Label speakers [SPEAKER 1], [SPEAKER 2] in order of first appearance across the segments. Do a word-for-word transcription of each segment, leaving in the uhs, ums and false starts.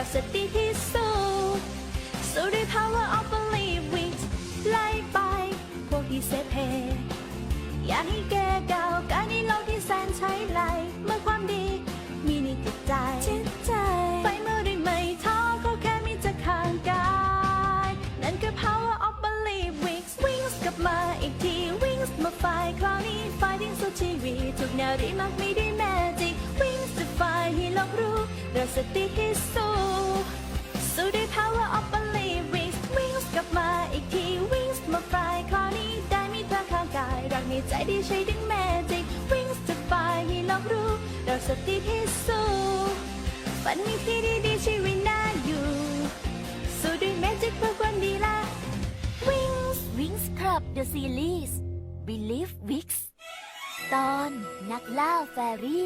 [SPEAKER 1] เราสติที่สู้สู้ด้วย power of belief wings ไล่ไปพวกที่เซเพอยากให้แกก้าวกายในโลกที่แสนใช้ไหลเมื่อความดีมีในจิตใจจิตใจไฟเมื่อได้ไม่ท้อก็แค่มีจะข้างกายนั่นคือ power of belief wings wings กลับมาอีกที wings มาไฟคราวนี้ไฟที่สุดชีวิตทุกแนวดีมากมีด้วยแมจิก wings จะไฟให้โลกรู้เราสติที่สู้สู้ด้วย power of belief wings wings กลับมาอีกที wings มาไฟคราวนี้ได้มีเธอข้างกายรักในใจที่ใช้ดึงแมจิก wings จะไฟให้โลกรู้เราสติที่สู้ฝันมีที่ดีๆชีวิตน่าอยู่สู้ด้วยแมจิกเพื่อความดีละ wings
[SPEAKER 2] Wings Club The Series Believe Wix ตอนนักล่าแฟรี่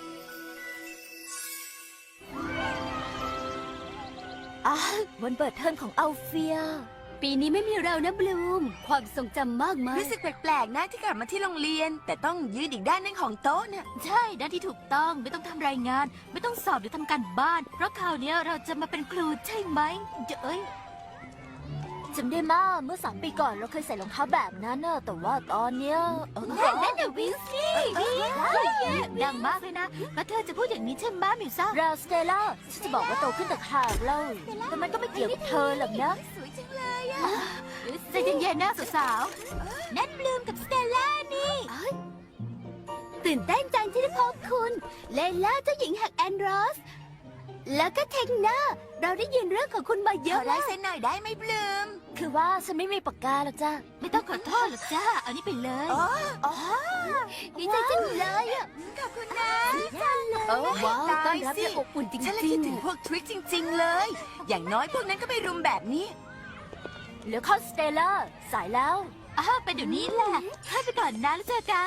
[SPEAKER 2] อ่ะวันเปิดเทอมของอัลเฟียปีนี้ไม่มีเรานะบลูมความทรงจำมากมาย
[SPEAKER 3] รู้สึกแปลกๆนะที่กลับมาที่โรงเรียน แต่ต้องยืนอีกด้านนึงของโต๊ะเนี่ย
[SPEAKER 2] ใช่ด้านที่ถูกต้องไม่ต้องทำรายงาน ไม่ต้องสอบหรือทำการบ้าน เพราะคราวนี้เราจะมาเป็นครูใช่ไหมเอ้ยจำได้มาเมื่อสามปีก่อนเราเคยใส่รองเท้าแบบนั้นน่ะแต่ว่าตอนเนี้ยนั่นน่ะวิงซี่ดังมากเลยนะแล้วเธอจะพูดอย่างนี้ใช่ไหมมิวซ่าราสเตล่าฉันจะบอกว่าโตขึ้นแต่ขาดเล่าแต่มันก็ไม่เกี่ยวกับเธอหรอกนะ
[SPEAKER 3] สวยจังเลยอะ
[SPEAKER 2] ใจเย็นๆนะสาวๆนั่นบลูมกับสเตลล่านี่ตื่นเต้นจังที่ได้พบคุณเลล่าเจ้าหญิงแห่งแอนดรอสแล้วก็เทคน่าเราได้ยินเรื่องของคุณมาเย
[SPEAKER 3] ขอ
[SPEAKER 2] อะ
[SPEAKER 3] ลาย
[SPEAKER 2] มาก
[SPEAKER 3] เซ็นหน่อยได้ไหมบลูม
[SPEAKER 2] คือว่าฉันไม่มีปากกาหรอกจ้าไม่ต้องขอโทษหรอกจ้าเอานี่ไปเลย
[SPEAKER 3] อ๋ออ๋อ
[SPEAKER 2] ดีใจจังเลยอ่ะ
[SPEAKER 3] ขอบคุณนะ
[SPEAKER 2] โอ้ว้าวต้
[SPEAKER 3] ตา
[SPEAKER 2] อน
[SPEAKER 3] ย
[SPEAKER 2] รับ
[SPEAKER 3] สิ
[SPEAKER 2] อย่างอบอุ่นจริง
[SPEAKER 3] ฉันเลย
[SPEAKER 2] ๆ
[SPEAKER 3] คิดถึงพวกทริคจริง ๆ เลย อย่างน้อยพวกนั้นก็ไม่รุมแบบนี้
[SPEAKER 2] เหลือข้อสเตลล่าสายแล้วอ้าวไปเดี๋ยวนี้แหละให้ไปก่อนนะแล้วเจอกัน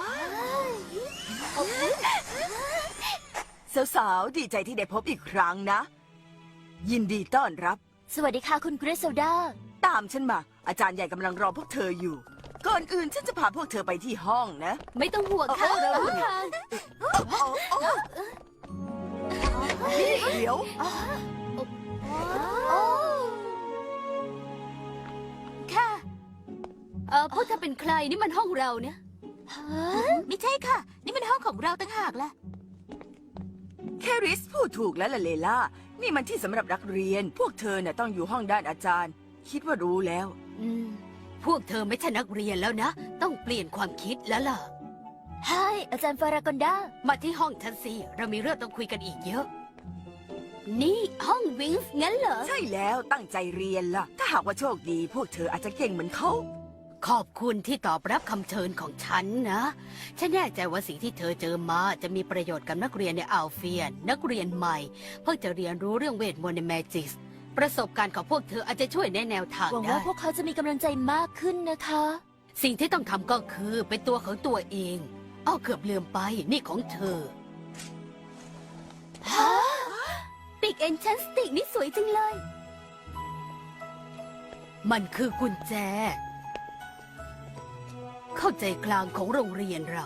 [SPEAKER 3] สาวๆ ดีใจที่ได้พบอีกครั้งนะ ยินดีต้อนรับ
[SPEAKER 2] สวัสดีค่ะคุณกริซเซลดา
[SPEAKER 3] ตามฉันมา อาจารย์ใหญ่กำลังรอพวกเธออยู่ ก่อนอื่นฉันจะพาพวกเธอไปที่ห้องนะ
[SPEAKER 2] ไม่ต้องห่วงค่ะเรารู้ทาง
[SPEAKER 3] นี่เดี๋ยว
[SPEAKER 2] ค่ะเออพวกเธอเป็นใครนี่มันห้องเราเนี่ยไม่ใช่ค่ะ นี่มันห้องของเราต่างหากล่ะ
[SPEAKER 3] แคริสพูดถูกแล้วล่ะเลล่า นี่มันที่สำหรับนักเรียน พวกเธอน่ะต้องอยู่ห้องด้านอาจารย์ คิดว่ารู้แล้ว
[SPEAKER 2] อืมพวกเธอไม่ใช่นักเรียนแล้วนะ ต้องเปลี่ยนความคิดแล้วล่ะใช่อาจารย์ฟารากอนดามาที่ห้องฉันสิเรามีเรื่องต้องคุยกันอีกเยอะ นี่ห้องวิงส์งั้นเหรอ
[SPEAKER 3] ใช่แล้วตั้งใจเรียนล่ะ ถ้าหากว่าโชคดี พวกเธออาจจะเก่งเหมือนเขา
[SPEAKER 2] ขอบคุณที่ตอบรับคำเชิญของฉันนะ ฉันแน่ใจว่าสิ่งที่เธอเจอมาจะมีประโยชน์กับนักเรียนในอัลเฟียน นักเรียนใหม่ เพิ่งจะเรียนรู้เรื่องเวทมนต์ในแมจิกส์ประสบการณ์ของพวกเธออาจจะช่วยแนะแนวทางได้หวังว่าพวกเขาจะมีกำลังใจมากขึ้นนะคะ สิ่งที่ต้องทำก็คือเป็นตัวของตัวเองอ้อเกือบลืมไปนี่ของเธอฮะปิกเอนชันสติกนี่สวยจังเลย มันคือกุญแจเข้าใจกลางของโรงเรียนเรา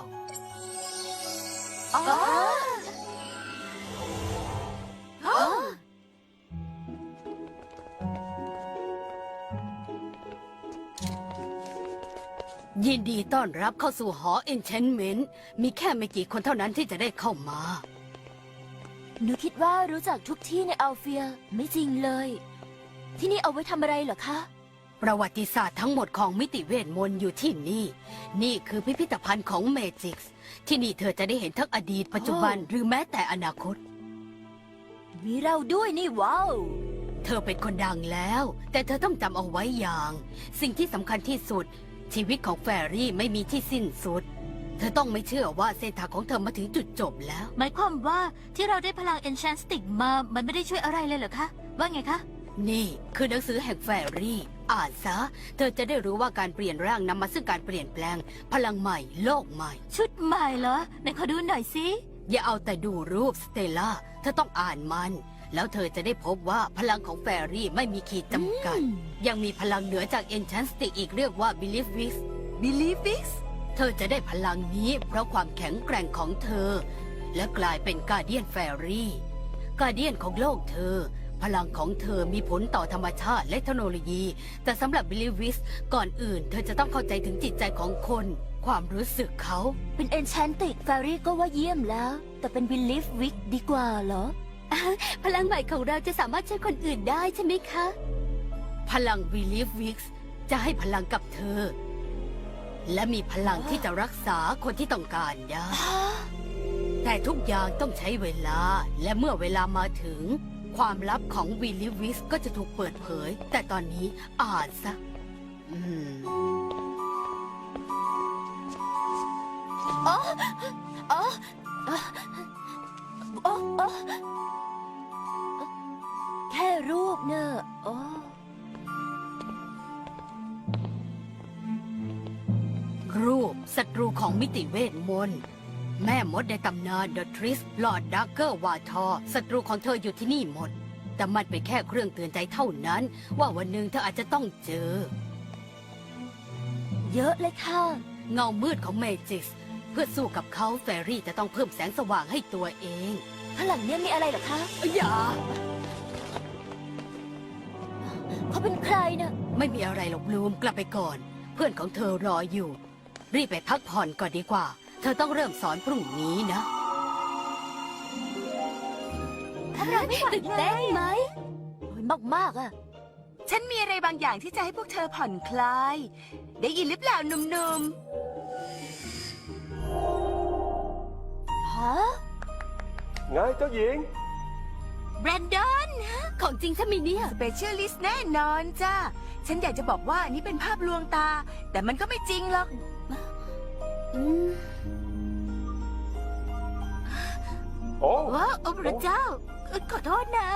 [SPEAKER 2] ยินดีต้อนรับเข้าสู่หอ Enchantment มีแค่ไม่กี่คนเท่านั้นที่จะได้เข้ามาหนูคิดว่ารู้จักทุกที่ในอัลเฟียไม่จริงเลย ที่นี่เอาไว้ทำอะไรเหรอคะประวัติศาสตร์ทั้งหมดของมิติเวทมนต์อยู่ที่นี่ นี่คือพิพิธภัณฑ์ของเมจิกส์ที่นี่เธอจะได้เห็นทั้งอดีตปัจจุบันหรือแม้แต่อนาคต มีเราด้วยนี่ว้าว เธอเป็นคนดังแล้ว แต่เธอต้องจำเอาไว้อย่าง สิ่งที่สำคัญที่สุดชีวิตของแฟรี่ไม่มีที่สิ้นสุด เธอต้องไม่เชื่อว่าเส้นทางของเธอมาถึงจุดจบแล้วหมายความว่าที่เราได้พลัง Enchantstic มามันไม่ได้ช่วยอะไรเลยเหรอคะว่าไงคะนี่คือหนังสือแห่งแฟรี่อ่านซะเธอจะได้รู้ว่าการเปลี่ยนร่างนำมาซึ่งการเปลี่ยนแปลงพลังใหม่โลกใหม่ชุดใหม่เหรอไหนขอดูหน่อยสิอย่าเอาแต่ดูรูปสเตลล่าเธอต้องอ่านมันแล้วเธอจะได้พบว่าพลังของแฟรี่ไม่มีขีดจำกัดยังมีพลังเหนือจาก Enchantstic อีกเรียกว่า Belief Wix
[SPEAKER 3] Believe Wix
[SPEAKER 2] เธอจะได้พลังนี้เพราะความแข็งแกร่งของเธอและกลายเป็นกาเดียนแฟรี่กาเดียนของโลกเธอพลังของเธอมีผลต่อธรรมชาติและเทคโนโลยี แต่สำหรับบิลลิวิสก่อนอื่น เธอจะต้องเข้าใจถึงจิตใจของคน ความรู้สึกเขา
[SPEAKER 1] เป็นเอนแชนติกแฟรี่ก็ว่าเยี่ยมแล้ว แต่เป็นบิลีฟวิกดีกว่าเหรอ พลังใหม่ของเราจะสามารถช่วยคนอื่นได้ใช่ไหมคะ
[SPEAKER 2] พลังบิลลิวิสจะให้พลังกับเธอ และมีพลังที่จะรักษาคนที่ต้องการได้ แต่ทุกอย่างต้องใช้เวลา และเมื่อเวลามาถึง ความลับของวิลลิวิสก็จะถูกเปิดเผย แต่ตอนนี้อ่านซะอืม
[SPEAKER 1] อ๋อ อ๋อ อ๋อ อ๋อ แค่รูปเนอะอ๋อ
[SPEAKER 2] รูปศัตรูของมิติเวทมนต์แม่มดในตำนานเดอะทริสลอร์ดดักเกอร์วาทอศัตรูของเธออยู่ที่นี่หมด แต่มันเป็นแค่เครื่องเตือนใจเท่านั้น ว่าวันหนึ่งเธออาจจะต้องเจอ
[SPEAKER 1] เยอะเลยค่ะ
[SPEAKER 2] เงามืดของเมจิส เพื่อสู้กับเขาแฟรี่จะต้องเพิ่มแสงสว่างให้ตัวเอง
[SPEAKER 1] ข้างหลังเนี่ยมีอะไรเหรอคะ
[SPEAKER 2] อย่า
[SPEAKER 1] เขาเป็นใครนะ
[SPEAKER 2] ไม่มีอะไรหรอกบลูมกลับไปก่อน เพื่อนของเธอรออยู่ รีบไปพักผ่อนก่อนดีกว่า เธอต้องเริ่มสอนพรุ่งนี้นะ
[SPEAKER 1] ตื่นเต้นไหมมากมากๆอะ
[SPEAKER 3] ฉันมีอะไรบางอย่างที่จะให้พวกเธอผ่อนคลาย ได้ยินหรือเปล่าหนุ่ม
[SPEAKER 1] ฮะ
[SPEAKER 4] ไงเจ้าหญิง
[SPEAKER 3] ๆ แบรนดอน
[SPEAKER 2] ของจริงถ้ามีเนี่ย
[SPEAKER 3] สเปเชียลิสต์แน่นอนจ้าฉันอยากจะบอกว่านี่เป็นภาพลวงตา แต่มันก็ไม่จริงหรอก
[SPEAKER 1] อืม
[SPEAKER 4] โอ้
[SPEAKER 1] ว้าวโอ้พระเจ้า ขอโทษนะ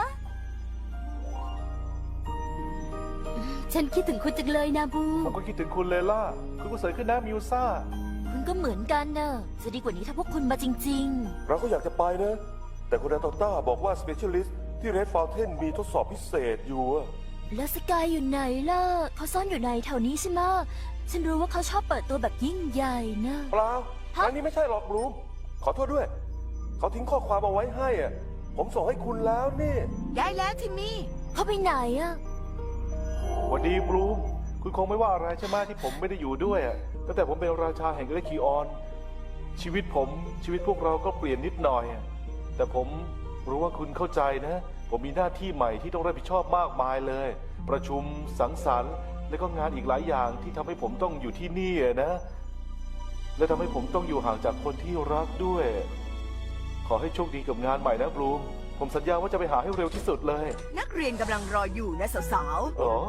[SPEAKER 1] ฉันคิดถึงคุณจังเลยนะบู
[SPEAKER 4] ผมก็คิดถึงคุณเลยล่ะ คุณก็สวยขึ้นนะมิวซ่า
[SPEAKER 1] คุณก็เหมือนกันนะจะดีกว่านี้ถ้าพวกคุณมาจริง
[SPEAKER 4] เราก็อยากจะไปนะ แต่คุณอาโตต้าบอกว่า Specialist ที่ Red Fountain มีทดสอบพิเศษอยู่อะ
[SPEAKER 1] ๆ แล้วสกายอยู่ไหนล่ะ เขาซ่อนอยู่ในแถวนี้ใช่ไหมะฉันรู้ว่าเขาชอบเปิดตัวแบบยิ่งใหญ่นะ
[SPEAKER 4] เปล่าอันนี้ไม่ใช่หรอกบลูม ขอโทษด้วย เขาทิ้งข้อความเอาไว้ให้อะผมส่งให้คุณแล้วนี่
[SPEAKER 3] ได้แล้วทิมมี่
[SPEAKER 1] เขาไปไหนอะ
[SPEAKER 4] วันดีบลูม คุณคงไม่ว่าอะไรใช่ไหมที่ผมไม่ได้อยู่ด้วยอะตั้งแต่ผมเป็นราชาแห่งเอเลคิออน ชีวิตผมชีวิตพวกเราก็เปลี่ยนนิดหน่อยอะแต่ผมรู้ว่าคุณเข้าใจนะ ผมมีหน้าที่ใหม่ที่ต้องรับผิดชอบมากมายเลย ประชุมสังสรรค์และก็งานอีกหลายอย่างที่ทำให้ผมต้องอยู่ที่นี่อะนะ และทำให้ผมต้องอยู่ห่างจากคนที่รักด้วย ขอให้โชคดีกับงานใหม่นะบลูม ผมสัญญาว่าจะไปหาให้เร็วที่สุดเลย
[SPEAKER 3] นักเรียนกำลังรออยู่นะสาว
[SPEAKER 4] อ๋อ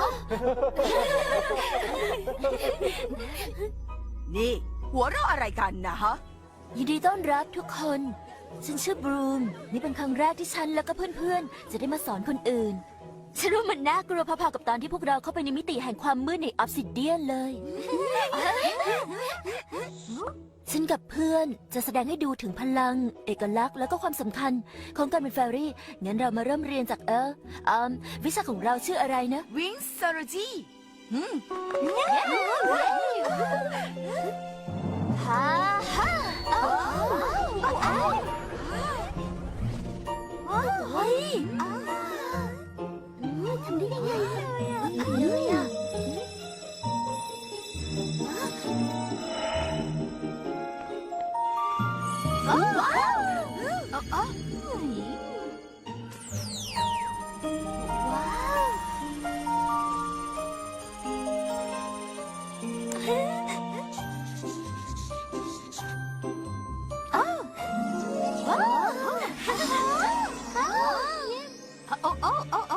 [SPEAKER 3] ๆ นี่ หัวเราะอะไรกันนะฮะ
[SPEAKER 1] ยินดีต้อนรับทุกคน ฉันชื่อบรูม นี่เป็นครั้งแรกที่ฉันแล้วก็เพื่อนๆ จะได้มาสอนคนอื่น ฉันว่ามันน่ากลัวพอๆกับตอนที่พวกเราเข้าไปในมิติแห่งความมืดในออฟซิเดียนเลย ฉันกับเพื่อนจะแสดงให้ดูถึงพลัง เอกลักษณ์แล้วก็ความสำคัญของการเป็นแฟรี่ งั้นเรามาเริ่มเรียนจากเอออืมวิชาของเราชื่ออะไรนะ
[SPEAKER 3] วิงซอร์จีอืม
[SPEAKER 1] ฮ่าฮ่าเฮ้ยทำได้ยังไงเลยอ่ะว้าวว้าวโอ้โอ้โอ้โอ้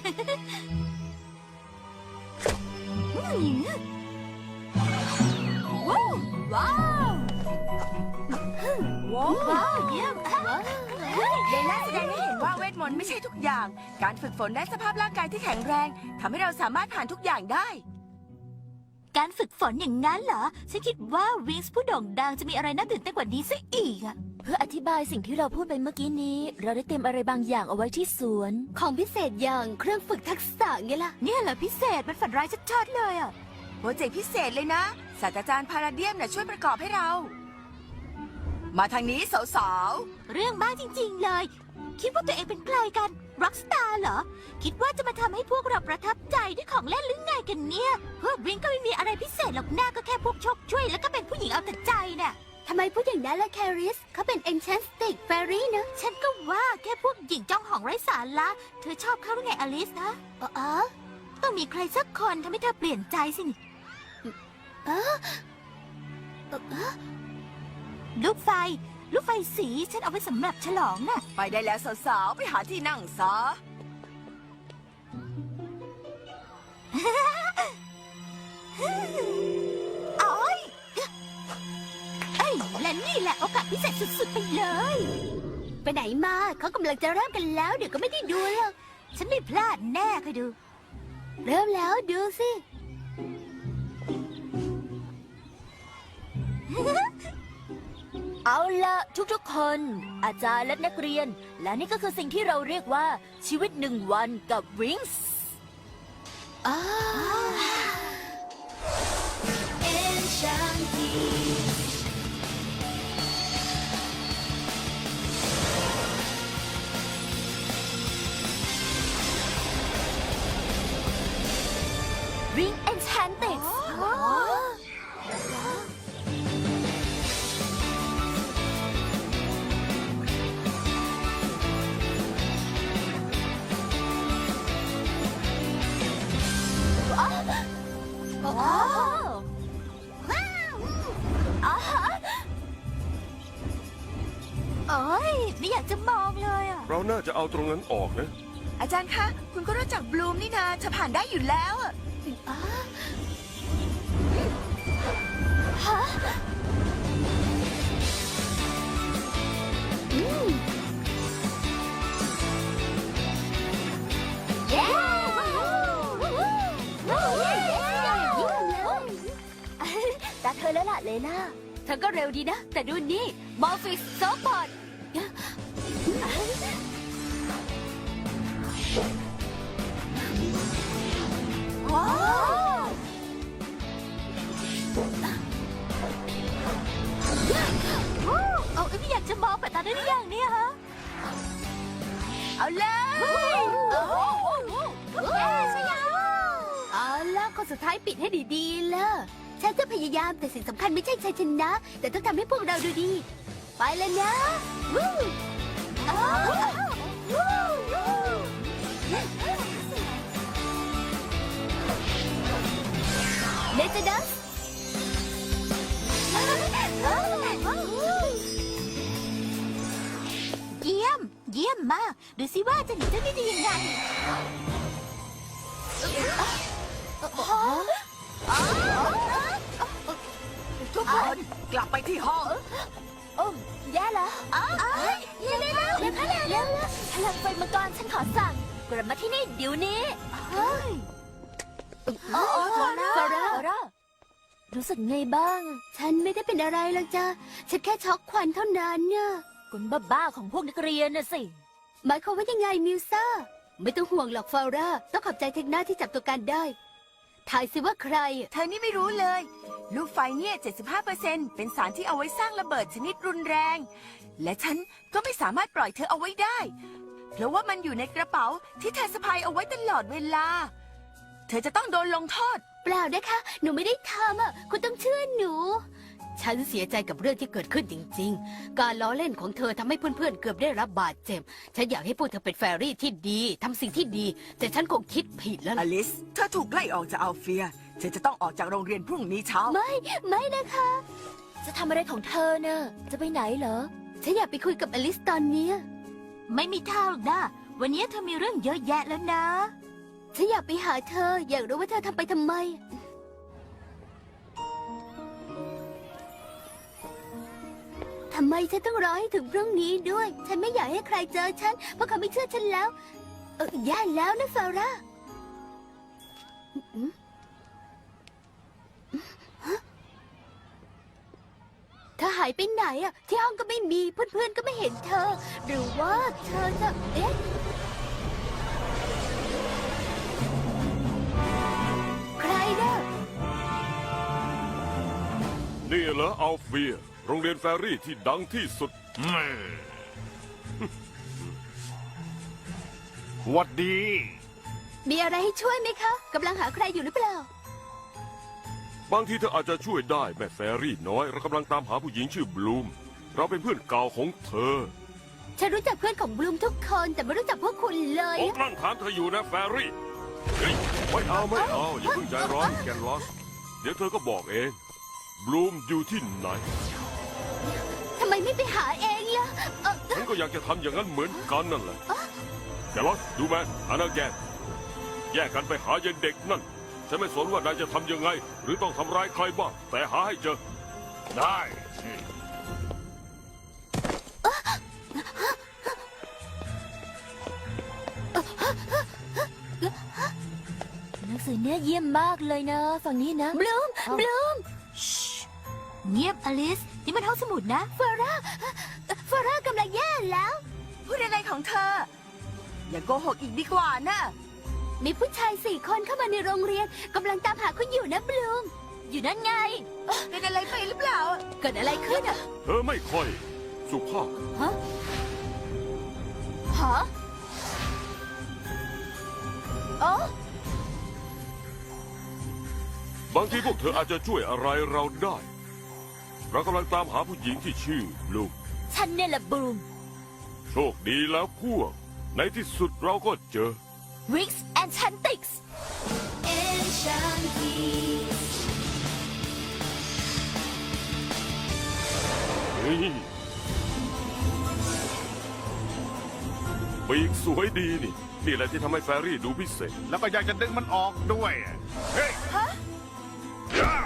[SPEAKER 1] ว้าวว้าวว้าวเยี่ยม
[SPEAKER 3] เลน่าแสดงให้เห็นว่าเวทมนต์ไม่ใช่ทุกอย่าง การฝึกฝนได้สภาพร่างกายที่แข็งแรงทำให้เราสามารถผ่านทุกอย่างได้
[SPEAKER 1] การฝึกฝนอย่างนั้นเหรอ ฉันคิดว่าวิงส์ผู้โด่งดังจะมีอะไรน่าตื่นเต้นกว่านี้ซะอีกอะเพื่ออธิบายสิ่งที่เราพูดไปเมื่อกี้นี้ เราได้เตรียมอะไรบางอย่างเอาไว้ที่สวน
[SPEAKER 2] ของพิเศษอย่างเครื่องฝึกทักษะไงล่ะ
[SPEAKER 1] เนี่ยเหรอพิเศษมันฝันร้ายชัดๆเลยอะ
[SPEAKER 3] โปรเจกต์พิเศษเลยนะ ศาสตราจารย์พาราเดียมน่ะช่วยประกอบให้เรา มาทางนี้สาว
[SPEAKER 1] เรื่องบ้าจริงๆเลย คิดว่าตัวเองเป็นใครกันร็อกสตาร์เหรอ คิดว่าจะมาทำให้พวกเราประทับใจด้วยของเล่นหรือไงกันเนี่ย พวกวิงก็ไม่มีอะไรพิเศษหรอกหน้าก็แค่พวกชกช่วยแล้วก็เป็นผู้หญิงเอาแต่ใจน่ะ
[SPEAKER 2] ทำไมพูดอย่างนั้นล่ะแคริสเขาเป็น Enchanted Fairy นะ
[SPEAKER 1] ฉันก็ว่าแค่พวกหญิงจ้องหองไร้สาระเธอชอบเขาหรือไงอลิสนะ
[SPEAKER 2] อ๋ออ๋อ
[SPEAKER 1] ต้องมีใครสักคนทำให้เธอเปลี่ยนใจสินี่
[SPEAKER 2] เออเออเออ
[SPEAKER 1] ลูกไฟ ลูกไฟสีฉันเอาไว้สำหรับฉลองน่ะ
[SPEAKER 3] ไปได้แล้วสาวๆ ไปหาที่นั่งซะ
[SPEAKER 1] โอ้ยเอ้ยและนี่แหละโอกาสพิเศษสุดๆไปเลย
[SPEAKER 2] ไปไหนมาเขากำลังจะเริ่มกันแล้ว เดี๋ยวก็ไม่ได้ดูหรอก
[SPEAKER 1] ฉันไม่พลาดแน่เคยดู
[SPEAKER 2] เริ่มแล้วดูสิ
[SPEAKER 1] เอาละทุกๆคน อาจารย์และนักเรียน และนี่ก็คือสิ่งที่เราเรียกว่าชีวิตหนึ่งวันกับวิงส์
[SPEAKER 2] อ้า
[SPEAKER 1] ริงเอนชานเต็ดโอ้ยไม่อยากจะมองเลยอ่ะ
[SPEAKER 5] เราน่าจะเอาตรงนั้นออกนะ
[SPEAKER 3] อาจารย์คะ คุณก็รู้จักบลูมนี่นาจะผ่านได้อยู่แล้วอะ
[SPEAKER 1] เย้ ตาเธอแล้วล่ะเลน่า
[SPEAKER 2] เธอก็เร็วดีนะ แต่ดูนี่มอร์ฟิสโซบอด
[SPEAKER 1] ว้าวเอาไม่อยากจะมองแบบนั้นได้หรือยังเนี่ยฮะ
[SPEAKER 3] เอาเลย
[SPEAKER 1] เย้ใช่ยัง
[SPEAKER 2] เอาล่ะคนสุดท้ายปิดให้ดีๆเลยฉันจะพยายามแต่สิ่งสำคัญไม่ใช่ชัยชนะ แต่ต้องทำให้พวกเราดูดี ไปเลยนะวู้เลเจดัส
[SPEAKER 1] เยี่ยม เยี่ยมมาก ดูสิว่าจะหนีเจ้านี่ได้ยังไง
[SPEAKER 3] ทุกคนกลับไปที่ห้อง
[SPEAKER 1] โอ้แย่แล้วเร็วเร็วเร็วเร็วเร็วพลังไฟมังกรฉันขอสั่ง กลับมาที่นี่เดี๋ยวนี้เฮ้ยโอ้ฟอร่า
[SPEAKER 2] ฟอร่า
[SPEAKER 1] ฟอร่ารู้สึกไงบ้าง
[SPEAKER 2] ฉันไม่ได้เป็นอะไรหรอกจ้ะฉันแค่ช็อกควันเท่านั้นเนี่ย
[SPEAKER 1] กุนบ้าๆของพวกนักเรียนน่ะสิ
[SPEAKER 2] หมายความว่ายังไงมิวซ่า ไม่ต้องห่วงหรอกฟาร่า ต้องขอบใจเทคนาที่จับตัวการได้ ถ่ายสิว่าใคร
[SPEAKER 3] เธอนี่ไม่รู้เลย ลูกไฟเนี่ย เจ็ดสิบห้าเปอร์เซ็นต์ เป็นสารที่เอาไว้สร้างระเบิดชนิดรุนแรง และฉันก็ไม่สามารถปล่อยเธอเอาไว้ได้ เพราะว่ามันอยู่ในกระเป๋าที่เธอสะพายเอาไว้ตลอดเวลา เธอจะต้องโดนลงโทษ
[SPEAKER 2] เปล่านะคะ หนูไม่ได้ทำอ่ะ คุณต้องเชื่อหนู ฉันเสียใจกับเรื่องที่เกิดขึ้นจริงๆ การล้อเล่นของเธอทำให้เพื่อนๆ เกือบได้รับบาดเจ็บ ฉันอยากให้พวกเธอเป็นแฟรี่ที่ดีทำสิ่งที่ดี แต่ฉันคงคิดผิดแล้ว
[SPEAKER 3] อ
[SPEAKER 2] ล่ะ
[SPEAKER 3] ลิส เธอถูกไล่ออกจากอัลเฟีย เธอจะต้องออกจากโรงเรียนพรุ่งนี้เช้า
[SPEAKER 2] ไม่ ไม่นะคะ
[SPEAKER 1] จะทำอะไรของเธอเน่ะจะไปไหนเหรอ
[SPEAKER 2] ฉันอยากไปคุยกับอลิสตอนเนี้ย
[SPEAKER 1] ไม่มีทางหรอกนะวันนี้เธอมีเรื่องเยอะแยะแล้วนะ
[SPEAKER 2] ฉันอยากไปหาเธอ อยากรู้ว่าเธอทำไปทำไม ทำไมฉันต้องรอให้ถึงพรุ่งนี้ด้วย ฉันไม่อยากให้ใครเจอฉัน เพราะเขาไม่เชื่อฉันแล้ว เออแย่แล้วนะฟาร่าอืมฮะเธอหายไปไหนอะ ที่ห้องก็ไม่มี เพื่อนๆก็ไม่เห็นเธอ หรือว่าเธอจะ เอ๊ะ ใครนะ
[SPEAKER 5] นี่เหรออัลเฟีย โรงเรียนแฟรี่ที่ดังที่สุด
[SPEAKER 6] หวัดดี
[SPEAKER 2] มีอะไรให้ช่วยไหมคะกำลังหาใครอยู่หรือเปล่า
[SPEAKER 5] บางทีเธออาจจะช่วยได้แม่แฟรี่น้อยเรากำลังตามหาผู้หญิงชื่อบลูม เราเป็นเพื่อนเก่าของเธอ
[SPEAKER 2] ฉันรู้จักเพื่อนของบลูมทุกคนแต่ไม่รู้จักพวกคุณเลย
[SPEAKER 5] ผมนั่งถามเธออยู่นะแฟรี่เฮ้ยไม่เอาไม่เอาอย่าเพิ่งใจร้อนแกนลอส เดี๋ยวเธอก็บอกเอง บลูมอยู่ที่ไหน
[SPEAKER 2] ทำไมไม่ไปหาเองล่ะเอ่อ
[SPEAKER 5] ฉันก็อยากจะทำอย่างนั้นเหมือนกันนั่นแหละแกนลอสดูแมนอานาแกนแยกกันไปหาเย็นเด็กนั่น ฉันไม่สนว่านายจะทำยังไง หรือต้องทำร้ายใครบ้าง แต่หาให้เจอ
[SPEAKER 6] ได้
[SPEAKER 1] หนังสือเนี่ยเยี่ยมมากเลยนะ ฝั่งนี้นะ
[SPEAKER 2] บลูมบลูม
[SPEAKER 1] เงียบอลิส นี่มันห้องสมุดนะ
[SPEAKER 2] ฟาร่าฟาร่ากำลังแย่แล้ว
[SPEAKER 3] พูดอะไรของเธอ อย่าโกหกอีกดีกว่านะ
[SPEAKER 2] มีผู้ชายสี่คนเข้ามาในโรงเรียนกำลังตามหาคุณอยู่นะบลูม
[SPEAKER 1] อยู่นั่นไง
[SPEAKER 3] เป็นอะไรไปหรือเปล่า
[SPEAKER 2] เกิดอะไรขึ้นอ่ะ
[SPEAKER 5] เธอไม่ค่อย สุภาพ
[SPEAKER 2] ฮะฮะโอ้
[SPEAKER 5] บางทีพวกเธออาจจะช่วยอะไรเราได้ เรากำลังตามหาผู้หญิงที่ชื่อบลูม
[SPEAKER 1] ฉันเนี่ยแหละบลูม
[SPEAKER 5] โชคดีแล้วพวก ในที่สุดเราก็เจอ
[SPEAKER 1] วิกซ์แอนชันติกส์
[SPEAKER 5] เฮ้ยปีกสวยดีนี่ นี่แหละที่ทำให้แฟรี่ดูพิเศษ
[SPEAKER 6] แล้วก็อยากจะดึงมันออกด้วย เฮ้ยย่า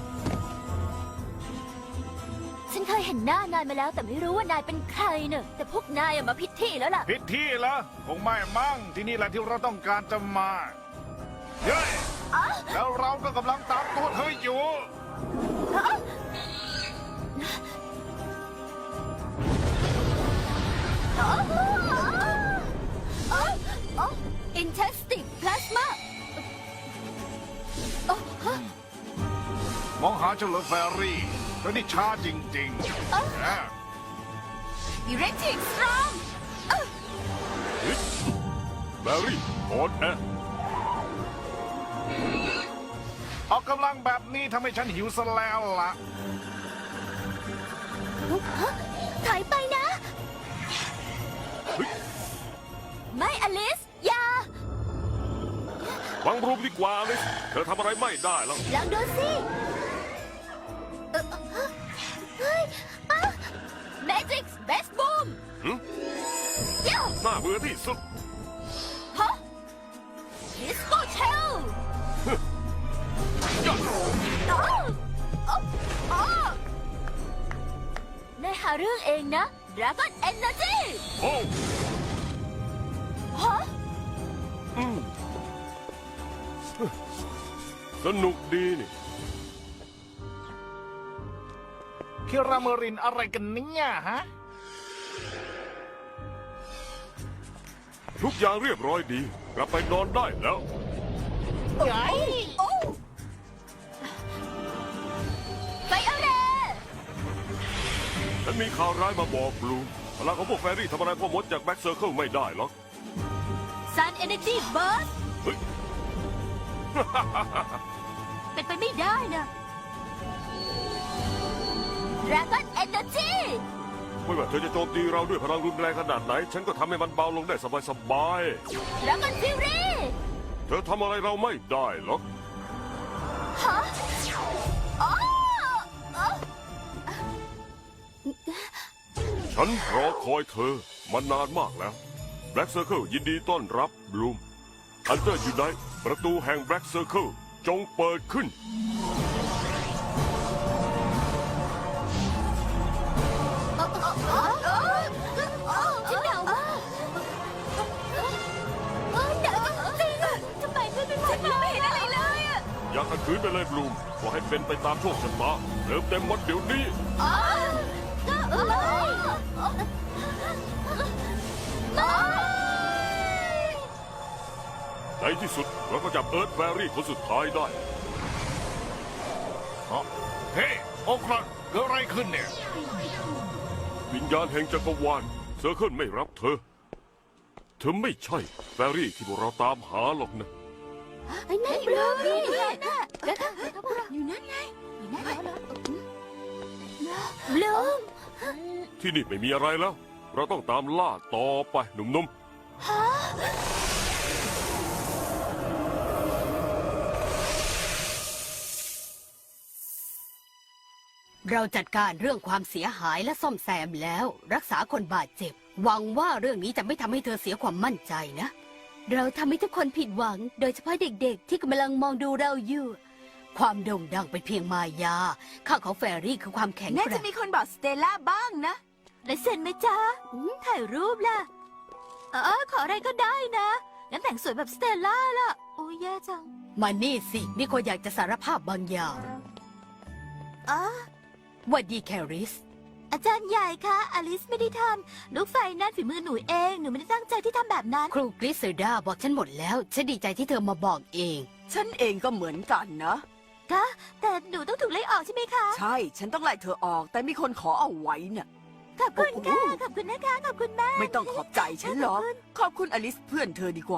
[SPEAKER 1] ฉันเคยเห็นหน้านายมาแล้ว แต่ไม่รู้ว่านายเป็นใครเนอะแต่พวกนายอะมาพิดที่แล้วล่ะ
[SPEAKER 6] ผิดที่เหรอคงไม่มั่งที่นี่แหละที่เราต้องการจะมาเฮ้ยแล้วเราก็กำลังตามตัวเธออยู่
[SPEAKER 2] อินเทสติกพลาสมา
[SPEAKER 6] มองหาเฉลิมแฟรี่เธอนี่ช้าจริงๆนะ
[SPEAKER 3] อิเล็กทริกสตรอง
[SPEAKER 5] แฟรี่ออนแอร์
[SPEAKER 6] ออกกำลังแบบนี้ทำให้ฉันหิวซะแล้วล่ะ
[SPEAKER 2] ถอยไปนะ
[SPEAKER 1] ไม่อลิส อย่า
[SPEAKER 5] ฟังรูมดีกว่าเลยเธอทำอะไรไม่ได้แล้ว
[SPEAKER 2] ลองดูสิเอ่อเฮ้ยอ่ะ
[SPEAKER 1] Magic's Best Boom
[SPEAKER 5] หึ
[SPEAKER 1] เย้า
[SPEAKER 5] น่าเบื่อที่สุด
[SPEAKER 1] ฮะ Disco Shell
[SPEAKER 5] ยอด
[SPEAKER 1] อ๋ออ๋ออ๋อนายหาเรื่องเองนะ Dragon Energy
[SPEAKER 5] โอ้
[SPEAKER 1] ฮะ
[SPEAKER 5] อืมสนุกดีนี่
[SPEAKER 6] คิราเมรินอะไรกันเนี่ยฮะ
[SPEAKER 5] ทุกอย่างเรียบร้อยดี กลับไปนอนได้แล้ว
[SPEAKER 6] ไง
[SPEAKER 1] โอ้ไฟอะไร
[SPEAKER 5] ฉันมีข่าวร้ายมาบอกบลูมพลังของพวกแฟรี่ทำอะไรพ่อมดจากแบ็กเซอร์เคิลไม่ได้หรอก
[SPEAKER 1] Sun Energy Burst
[SPEAKER 5] เฮ้ย
[SPEAKER 1] เป็นไปไม่ได้นะ Dragon Energy
[SPEAKER 5] ไม่ว่าเธอจะโจมตีเราด้วยพลังรุนแรงขนาดไหน ฉันก็ทำให้มันเบาลงได้สบาย
[SPEAKER 1] Dragon Fury
[SPEAKER 5] ๆ เธอทำอะไรเราไม่ได้หรอก
[SPEAKER 1] ฮะอ๋ออ๋อ
[SPEAKER 5] ฉันรอคอยเธอมานานมากแล้วแบล็กเซอร์เคิลยินดีต้อนรับบลูมอันเตอร์อยู่ไหนประตูแห่งแบล็กเซอร์เคิลจงเปิดขึ้น
[SPEAKER 1] ฉันหนาวมากเออหนาวจริงๆอะทำไมไม่เป็นฉันไม่เห็นอะไรเลยอะ
[SPEAKER 5] อย่าขัดขืนไปเลยบลูมขอให้เป็นไปตามโชคชะตาเติมเต็มวันเดี๋ยวนี้
[SPEAKER 1] อ๋อก็เอ้ยไม่
[SPEAKER 5] ในที่สุดเราก็จับเอิร์ธแฟรี่คนสุดท้ายได้
[SPEAKER 6] เฮ้ยโอ้ครับเกิดอะไรขึ้นเนี่ย
[SPEAKER 5] วิญญาณแห่งจักรวาลเซอร์เคิลไม่รับเธอเธอไม่ใช่แฟรี่ที่พวกเราตามหาหรอกนะ
[SPEAKER 2] ไอ้นั่นบลูนี่นะ
[SPEAKER 3] อยู่นั่นไง
[SPEAKER 2] บลูม
[SPEAKER 5] ที่นี่ไม่มีอะไรแล้ว เราต้องตามล่าต่อไปหนุ่มๆ
[SPEAKER 2] เราจัดการเรื่องความเสียหายและซ่อมแซมแล้ว รักษาคนบาดเจ็บ หวังว่าเรื่องนี้จะไม่ทำให้เธอเสียความมั่นใจนะ เราทำให้ทุกคนผิดหวัง โดยเฉพาะเด็กๆ ที่กำลังมองดูเราอยู่ ความโด่งดังเป็นเพียงมายา ข้าของแฟรี่คือความแข็ง
[SPEAKER 3] น่า
[SPEAKER 2] แก
[SPEAKER 3] จะ
[SPEAKER 2] ร่ง
[SPEAKER 3] มีคนบอกสเตลล่าบ้างนะ
[SPEAKER 1] ลายเซ็นไหมจ๊ะอืมถ่ายรูปล่ะเออขออะไรก็ได้นะงั้นแต่งสวยแบบสเตลล่าล่ะ โอ้ยแย่จัง
[SPEAKER 2] มานี่สิ มีคนอยากจะสารภาพบางอย่าง
[SPEAKER 1] อ๋อ
[SPEAKER 2] หวัดดีแคริส
[SPEAKER 1] อาจารย์ใหญ่คะอลิสไม่ได้ทำลูกไฟนั่นฝีมือหนูเอง หนูไม่ได้ตั้งใจที่ทำแบบนั้น
[SPEAKER 2] ครูกริสเซดาบอกฉันหมดแล้ว ฉันดีใจที่เธอมาบอกเอง
[SPEAKER 3] ฉันเองก็เหมือนกันนะ
[SPEAKER 1] คะแต่หนูต้องถูกไล่ออกใช่ไหมคะ
[SPEAKER 3] ใช่ ฉันต้องไล่เธอออก แต่มีคนขอเอาไว้น่ะ
[SPEAKER 1] ขอบคุณค่ะ
[SPEAKER 3] โอ้โห
[SPEAKER 1] ขอบคุณนะคะ ขอบคุณมาก
[SPEAKER 3] ไม่ต้องขอบใจฉันหรอก ขอบคุณอลิสเพื่อนเธอดีกว่า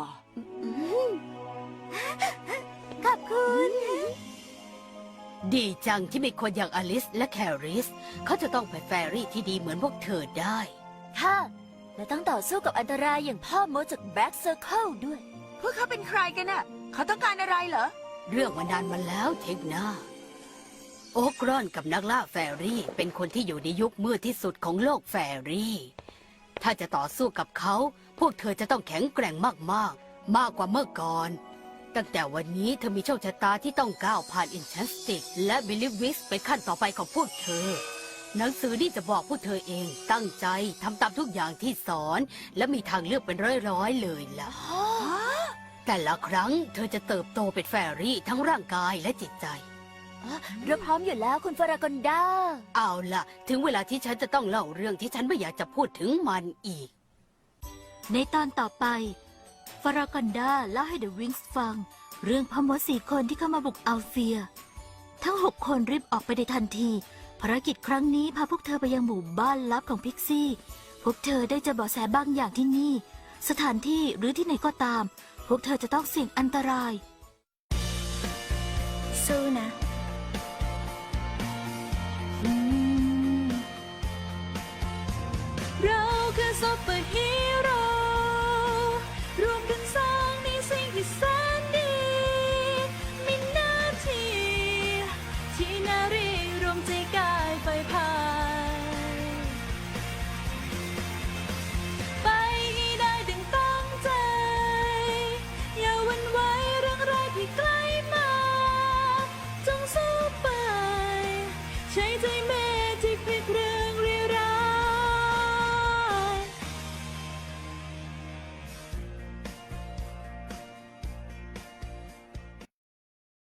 [SPEAKER 1] ขอบคุณ
[SPEAKER 2] ดีจังที่มีคนอย่างอลิสและแคริส เขาจะต้องเป็นแฟรี่ที่ดีเหมือนพวกเธอได้
[SPEAKER 1] ค่ะ และต้องต่อสู้กับอันตรายอย่างพ่อมดจากแบ็กเซอร์เคิลด้วย
[SPEAKER 3] พวกเขาเป็นใครกันน่ะ เขาต้องการอะไรเหรอ
[SPEAKER 2] เรื่องมานานมาแล้วเทคนาโอกรอนกับนักล่าแฟรี่เป็นคนที่อยู่ในยุคมืดที่สุดของโลกแฟรี่ ถ้าจะต่อสู้กับเขา พวกเธอจะต้องแข็งแกร่งมากๆ มากกว่าเมื่อก่อน ตั้งแต่วันนี้เธอมีโชคชะตาที่ต้องก้าวผ่านอินชันสติกและบิลิวิสไปขั้นต่อไปของพวกเธอ หนังสือนี่จะบอกพวกเธอเองตั้งใจทำตามทุกอย่างที่สอน และมีทางเลือกเป็นร้อยๆเลยล่ะ แต่ละครั้งเธอจะเติบโตเป็นแฟรี่ทั้งร่างกายและจิตใจ
[SPEAKER 1] เราพร้อมอยู่แล้วคุณฟารากอนดา
[SPEAKER 2] เอาล่ะ ถึงเวลาที่ฉันจะต้องเล่าเรื่องที่ฉันไม่อยากจะพูดถึงมันอีก
[SPEAKER 1] ในตอนต่อไป ฟารากอนดาเล่าให้เดอะวิงส์ฟัง เรื่องพ่อมดสี่คนที่เข้ามาบุกอัลเฟีย ทั้งหกคนรีบออกไปในทันที ภารกิจครั้งนี้พาพวกเธอไปยังหมู่บ้านลับของพิกซี่ พวกเธอได้เจอเบาะแสบางอย่างที่นี่ สถานที่หรือที่ไหนก็ตาม พวกเธอจะต้องเสี่ยงอันตราย
[SPEAKER 7] สู้นะ